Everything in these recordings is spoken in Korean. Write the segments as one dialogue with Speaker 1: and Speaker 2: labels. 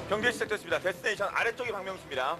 Speaker 1: 경기 시작됐습니다. 데스티네이션 아래쪽이 박명수입니다.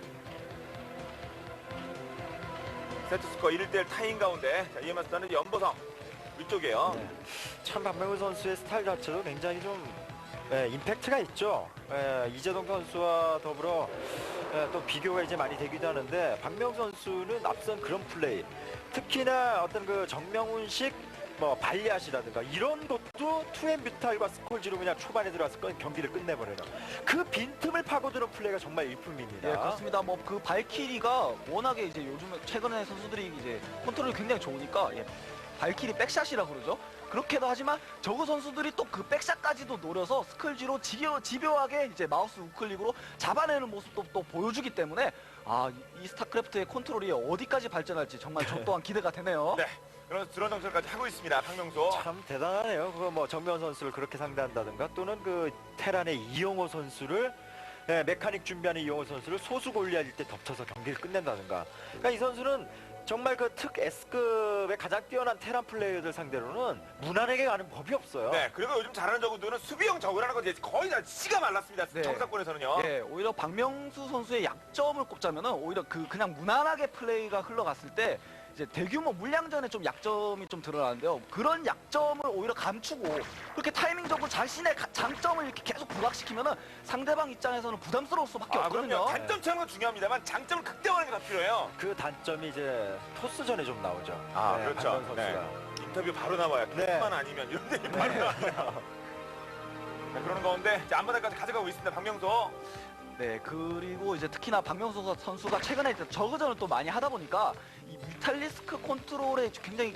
Speaker 1: 세트스코어 1대1 타인 가운데 자, 이에 맞서는 연보성 위쪽이에요.
Speaker 2: 네. 참 박명우 선수의 스타일 자체도 굉장히 좀 임팩트가 있죠. 이재동 선수와 더불어 또 비교가 이제 많이 되기도 하는데 박명우 선수는 앞선 그런 플레이, 특히나 어떤 그 정명훈식 뭐 발리앗이라든가 이런 것도 투앤 뮤탈과 스콜지로 그냥 초반에 들어와서 경기를 끝내버려요. 그 빈틈을 파고드는 플레이가 정말 일품입니다.
Speaker 3: 예, 그렇습니다. 뭐 그 발키리가 워낙에 이제 요즘에 최근에 선수들이 이제 컨트롤이 굉장히 좋으니까 발키리 백샷이라 그러죠. 그렇게도 하지만 저그 선수들이 또 그 백샷까지도 노려서 스컬지로 집요하게 이제 마우스 우클릭으로 잡아내는 모습도 또 보여주기 때문에 이 스타크래프트의 컨트롤이 어디까지 발전할지 정말 저 또한 기대가 되네요.
Speaker 1: 네. 그런 드론 정찰까지 하고 있습니다. 박명수.
Speaker 2: 참 대단하네요. 그거 뭐 정면 선수를 그렇게 상대한다든가 또는 그 테란의 이영호 선수를 메카닉 준비하는 이영호 선수를 소수 골리앗일 때 덮쳐서 경기를 끝낸다든가. 그러니까 이 선수는 정말 그 특 S급의 가장 뛰어난 테란 플레이어들 상대로는 무난하게 가는 법이 없어요.
Speaker 1: 네. 그리고 요즘 잘하는 저구들은 수비형 저구라는 건 이제 거의 다 씨가 말랐습니다.
Speaker 3: 네.
Speaker 1: 정상권에서는요.
Speaker 3: 예, 오히려 박명수 선수의 약점을 꼽자면은 오히려 그냥 무난하게 플레이가 흘러갔을 때 이제 대규모 물량전에 좀 약점이 좀 드러나는데요. 그런 약점을 오히려 감추고 그렇게 타이밍적으로 자신의 장점을 이렇게 계속 부각시키면은 상대방 입장에서는 부담스러울 수밖에 없거든요.
Speaker 1: 그럼요. 단점 채우는 건 중요합니다만 장점을 극대화하는 게 더 필요해요.
Speaker 2: 그 단점이 이제 토스전에 좀 나오죠.
Speaker 1: 그렇죠.
Speaker 2: 박명 선수가.
Speaker 1: 네. 인터뷰 바로 나와요.
Speaker 2: 네.
Speaker 1: 토스만 아니면 이런 데이 바로 나와요. 자, 그러는 가운데 이제 앞바닥까지 가져가고 있습니다. 박명수.
Speaker 3: 네, 그리고 이제 특히나 박명수 선수가 최근에 이제 저그전을 또 많이 하다 보니까 이 뮤탈리스크 컨트롤에 굉장히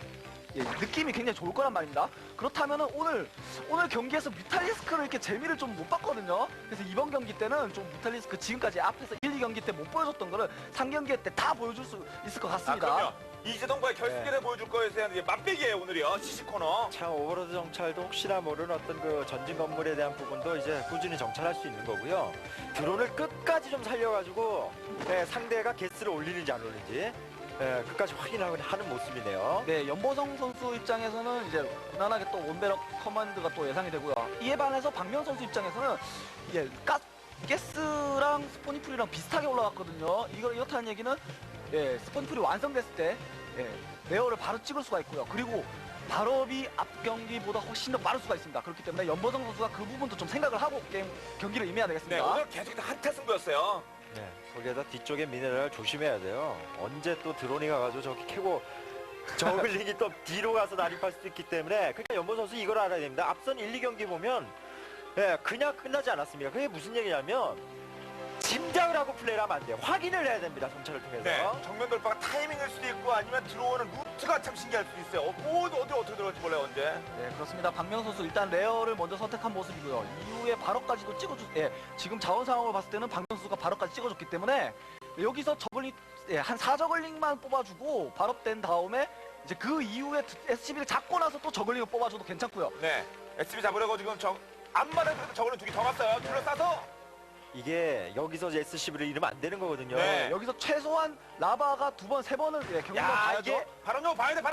Speaker 3: 느낌이 굉장히 좋을 거란 말입니다. 그렇다면은 오늘 경기에서 뮤탈리스크를 이렇게 재미를 좀 못 봤거든요. 그래서 이번 경기 때는 좀 뮤탈리스크 지금까지 앞에서 1, 2경기 때 못 보여줬던 거를 3경기 때 다 보여줄 수 있을 것 같습니다.
Speaker 1: 그럼요. 이재동과의 결승전에 보여줄 거에 대한 이제 맛배기예요 오늘이요. 시시 코너.
Speaker 2: 참 오버로드 정찰도 혹시나 모르는 어떤 그 전진 건물에 대한 부분도 이제 꾸준히 정찰할 수 있는 거고요. 드론을 끝까지 좀 살려가지고 상대가 개수를 올리는지 안 올리는지 끝까지 확인하는 모습이네요.
Speaker 3: 네, 연보성 선수 입장에서는 이제 무난하게 또 원베럭 커맨드가 또 예상이 되고요. 이에 반해서 박명 선수 입장에서는 이게 가스랑 스포니풀이랑 비슷하게 올라갔거든요. 이렇다는 얘기는 스포니풀이 완성됐을 때 레어를 바로 찍을 수가 있고요. 그리고 발업이 앞 경기보다 훨씬 더 빠를 수가 있습니다. 그렇기 때문에 연보성 선수가 그 부분도 좀 생각을 하고 경기를 임해야
Speaker 1: 네,
Speaker 3: 되겠습니다.
Speaker 1: 오늘 계속 한타 승부였어요.
Speaker 2: 네, 거기에다 뒤쪽에 미네랄 조심해야 돼요. 언제 또 드론이 가가지고 저기 캐고 저글링이 또 뒤로 가서 난입할 수도 있기 때문에 그러니까 연보 선수 이걸 알아야 됩니다. 앞선 1, 2경기 보면 그냥 끝나지 않았습니다. 그게 무슨 얘기냐면 짐작을 하고 플레이를 하면 안 돼요. 확인을 해야 됩니다. 정찰을 통해서.
Speaker 1: 네, 정면 돌파가 타이밍일 수도 있고 아니면 들어오는 루트가 참 신기할 수도 있어요. 어떻게 들어올지 몰라요 언제.
Speaker 3: 네, 그렇습니다. 박명 선수 일단 레어를 먼저 선택한 모습이고요. 이후에 발업까지도 지금 자원 상황을 봤을 때는 박명 선수가 발업까지 찍어줬기 때문에 여기서 저글링 한 4저글링만 뽑아주고 발업된 다음에 이제 그 이후에 SCB를 잡고 나서 또 저글링을 뽑아줘도 괜찮고요.
Speaker 1: 네, SB 잡으려고 지금 앞마당 그래도 저거는 두개 더 갔어요. 둘러싸서.
Speaker 2: 이게 여기서 SCV를 잃으면 안 되는 거거든요.
Speaker 1: 네.
Speaker 3: 여기서 최소한 라바가 2번, 3번을 경기만
Speaker 1: 야,
Speaker 3: 봐야죠.
Speaker 1: 이게 바람좀 봐야 돼.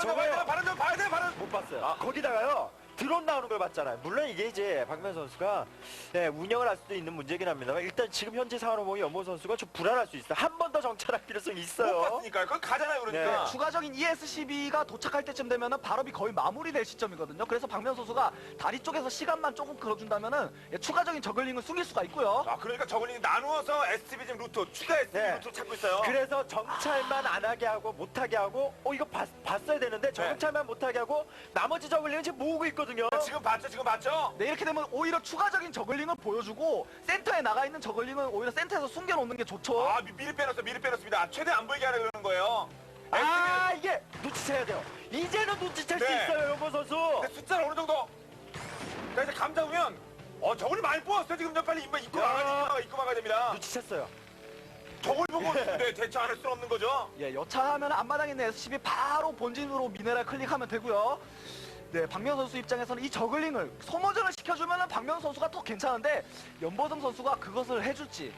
Speaker 1: 바람.
Speaker 2: 못 봤어요. 거기다가요. 드론 나오는 걸 봤잖아요. 물론 이게 이제 박명 선수가 운영을 할 수도 있는 문제긴 합니다만 일단 지금 현재 상황으로 보면 연보 선수가 좀 불안할 수 있어요. 한 번 더 정찰할 필요성이
Speaker 1: 못
Speaker 2: 있어요.
Speaker 1: 봤으니까요. 그건 가잖아요, 그러니까.
Speaker 2: 네.
Speaker 3: 추가적인 ESCB가 도착할 때쯤 되면은 발업이 거의 마무리될 시점이거든요. 그래서 박명 선수가 다리 쪽에서 시간만 조금 걸어준다면은 추가적인 저글링을 숨길 수가 있고요.
Speaker 1: 그러니까 저글링 나누어서 SB 지금 루트 추가 SB
Speaker 2: 네.
Speaker 1: 루트 찾고 있어요.
Speaker 2: 그래서 정찰만 안 하게 하고 못 하게 하고 이거 봤어야 되는데 정찰만 못 하게 하고 나머지 저글링은 지금 모으고 있거든요.
Speaker 1: 지금 봤죠?
Speaker 3: 네, 이렇게 되면 오히려 추가적인 저글링을 보여주고 센터에 나가 있는 저글링을 오히려 센터에서 숨겨놓는 게 좋죠.
Speaker 1: 미리 빼놨습니다. 최대 안 보이게 하려고 그러는 거예요.
Speaker 2: 이게 눈치채야 돼요. 이제는 눈치챌 수
Speaker 1: 네.
Speaker 2: 있어요, 연보 선수.
Speaker 1: 근데 숫자를 어느 정도. 자, 이제 감 잡으면, 저글이 많이 뽑았어요. 지금 빨리 입고 막아야 됩니다.
Speaker 2: 눈치챘어요.
Speaker 1: 저걸 보고 대처 안 할 수는 없는 거죠.
Speaker 3: 예, 여차하면 앞마당에 있는 SCB 바로 본진으로 미네랄 클릭하면 되고요. 네, 박명 선수 입장에서는 이 저글링을 소모전을 시켜주면은 박명 선수가 더 괜찮은데 연보성 선수가 그것을 해줄지.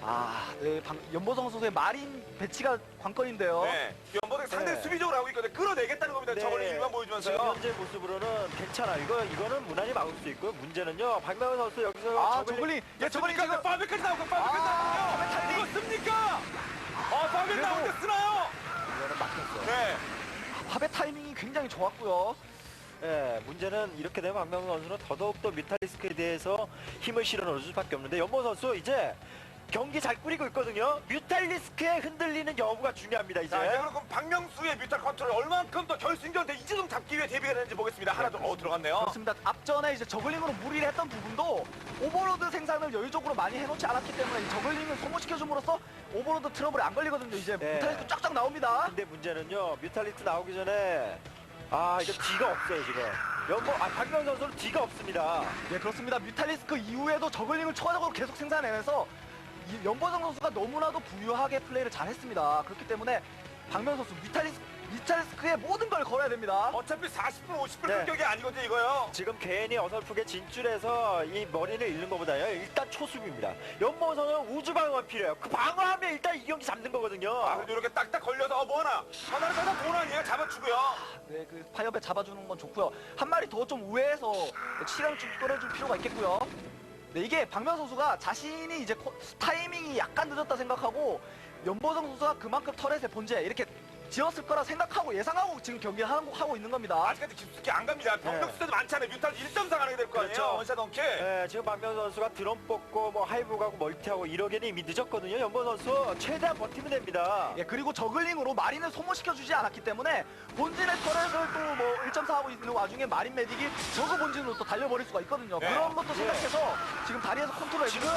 Speaker 3: 네, 연보성 선수의 마린 배치가 관건인데요.
Speaker 1: 네. 연보성이 상당히
Speaker 2: 네.
Speaker 1: 수비적으로 하고 있거든요. 끌어내겠다는 겁니다. 저걸 일만
Speaker 2: 지금
Speaker 1: 보여주면서요.
Speaker 2: 현재 모습으로는 괜찮아. 이거는 무난히 막을 수 있고 문제는요. 박명훈 선수 여기서
Speaker 3: 저글링. 예, 저글링
Speaker 1: 습니까?
Speaker 3: 지금.
Speaker 1: 파베까지 나오고 파베까지 나오거든요.
Speaker 3: 파베 타이밍.
Speaker 1: 이거 씁니까? 파베
Speaker 3: 그래도-
Speaker 1: 나올 때 쓰나요?
Speaker 3: 이거는 막혔어요.
Speaker 1: 네.
Speaker 3: 화배 타이밍이 굉장히 좋았고요.
Speaker 2: 예, 문제는 이렇게 되면 박명훈 선수는 더더욱더 뮤탈리스크에 대해서 힘을 실어 넣을 수밖에 없는데 연보 선수 이제 경기 잘 꾸리고 있거든요. 뮤탈리스크에 흔들리는 여부가 중요합니다. 이제.
Speaker 1: 자, 이제 그럼 박명수의 뮤탈 컨트롤 얼만큼 더 결승전 때 이재동 잡기 위해 대비가 되는지 보겠습니다. 하나 더 들어갔네요.
Speaker 3: 그렇습니다. 앞전에 이제 저글링으로 무리를 했던 부분도 오버로드 생산을 여유적으로 많이 해놓지 않았기 때문에 이 저글링을 소모시켜줌으로써 오버로드 트러블이 안 걸리거든요. 이제
Speaker 2: 네.
Speaker 3: 뮤탈리스크 쫙쫙 나옵니다.
Speaker 2: 근데 문제는요. 뮤탈리스크 나오기 전에 이거 뒤가 없어요 지금. 박명훈 선수는 뒤가 없습니다.
Speaker 3: 예, 그렇습니다. 뮤탈리스크 이후에도 저글링을 추가적으로 계속 생산해내서 이 연보성 선수가 너무나도 부유하게 플레이를 잘했습니다. 그렇기 때문에 박명 선수 뮤탈리스크에 모든 걸 걸어야 됩니다.
Speaker 1: 어차피 40분, 50분
Speaker 2: 네.
Speaker 1: 공격이 아니거든요, 이거요.
Speaker 2: 지금 괜히 어설프게 진출해서 이 머리를 잃는 것보다요. 일단 초수비입니다. 연보선은 우주 방어가 필요해요. 그 방어하면 일단 이 경기 잡는 거거든요.
Speaker 1: 그래도 이렇게 딱딱 걸려서 뭐 하나. 하나를 갖다 돈 아니에요? 잡아주고요.
Speaker 3: 네, 그 파이어배 잡아주는 건 좋고요. 한 마리 더 좀 우회해서 시간을 좀 끌어줄 필요가 있겠고요. 네, 이게 박명 선수가 자신이 이제 타이밍이 약간 늦었다 생각하고 연보성 선수가 그만큼 터렛의 본체 이렇게 지었을 거라 생각하고 예상하고 지금 경기를 하고 있는 겁니다.
Speaker 1: 아직까지 깊숙이 안 갑니다. 병력 수도 많잖아요. 뮤탈 1.4 가게 될 거 아니에요?
Speaker 2: 그렇죠.
Speaker 1: 원샷 원킬.
Speaker 2: 네, 지금 박명 선수가 드론 뽑고 뭐 하이브 가고 멀티하고 이러기는 이미 늦었거든요. 연보 선수 최대한 버티면 됩니다.
Speaker 3: 예, 그리고 저글링으로 마린을 소모시켜주지 않았기 때문에 본진의 터렛을 또 뭐 1.4 하고 있는 와중에 마린 메딕이 저그 본진으로 또 달려버릴 수가 있거든요.
Speaker 1: 네.
Speaker 3: 그런 것도 생각해서 지금 다리에서 컨트롤
Speaker 2: 지금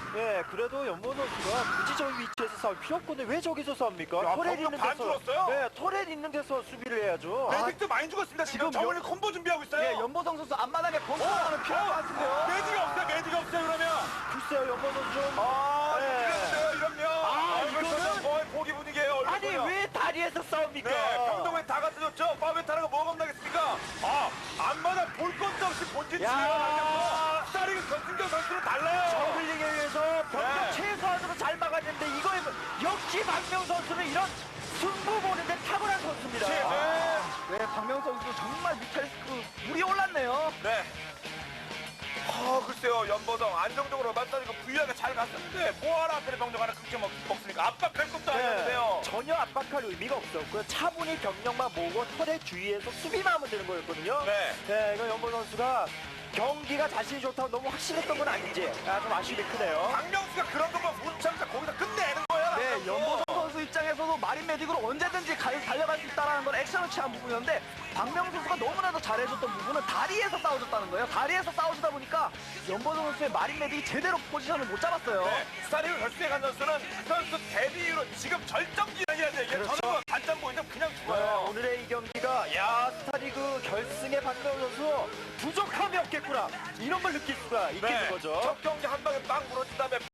Speaker 2: 그래도 연보 선수가 굳이 저기 위치에서 싸울 필요 없거든요. 왜 저기서 싸웁니까?
Speaker 1: 야,
Speaker 2: 터렛
Speaker 1: 병력
Speaker 2: 있는
Speaker 1: 반
Speaker 2: 데서
Speaker 1: 줄었어요?
Speaker 2: 네, 터렛 있는 데서 수비를 해야죠.
Speaker 1: 매직도 많이 죽었습니다. 지금
Speaker 3: 지금
Speaker 1: 저번에 콤보 준비하고 있어요.
Speaker 3: 예, 연보성 선수 앞마당에 건설하는 필요한 것 같은데요.
Speaker 1: 매직이 없어요. 매직이 없어요. 그러면.
Speaker 2: 글쎄요, 연보 선수 좀
Speaker 1: 네. 이러면.
Speaker 2: 이거는-
Speaker 1: 거의 포기 분위기예요.
Speaker 2: 아니 왜 다리에서 싸웁니까?
Speaker 1: 네, 병동에 다 갖다줬죠. 파베타라가 뭐가 겁나겠습니까? 앞마다 볼 것도 없이 본진
Speaker 2: 야.
Speaker 1: 치료가 스타링 전승경 선수는 달라요.
Speaker 2: 저글링에 의해서 병력
Speaker 1: 네.
Speaker 2: 최소한으로 잘 막았는데 이거에 역시 박명 선수는 이런 승부 보는데 탁월한 선수입니다.
Speaker 1: 네.
Speaker 3: 네, 박명 선수 정말 뮤탈리스크 물이 올랐네요.
Speaker 1: 네. 글쎄요. 연보성 안정적으로 맞다니까 부유하게 잘 갔었는데 뭐하러 앞에 병력 하나 크게 먹습니까? 압박할 것도 아니었는데요.
Speaker 2: 전혀 압박할 의미가 없었고요. 차분히 병력만 모으고 털의 주위에서 수비만 하면 되는 거였거든요.
Speaker 1: 네.
Speaker 2: 이거 연보 선수가 경기가 자신이 좋다고 너무 확실했던 건 아닌지 좀 아쉬움이 크네요.
Speaker 1: 박명수가 그런 것만 문참자 거기다 끝내는 거야.
Speaker 3: 네,
Speaker 1: 박명수.
Speaker 3: 연보성 선수 입장에서도 마린 메딕으로 언제든지 달려갈 수 있다는 건 액션을 취한 부분이었는데 박명 선수가 너무나도 잘해줬던 부분은 다리에서 싸워줬다는 거예요. 다리에서 싸워주다 보니까 연보성 선수의 마린 메딕이 제대로 포지션을 못 잡았어요.
Speaker 1: 네, 스타리그 결승에 간 선수는 그 선수 데뷔 이후로 지금 절정기라는 이게
Speaker 2: 그렇죠.
Speaker 1: 저는 단점 보이면 그냥
Speaker 2: 네,
Speaker 1: 죽어요.
Speaker 2: 오늘의 이 경기가 스타리그 결승의 박명 선수 부족함이 없겠구나 이런 걸 느낄 수가 있겠는 거죠.
Speaker 1: 첫 경기 한 방에 빵 부러진 다음에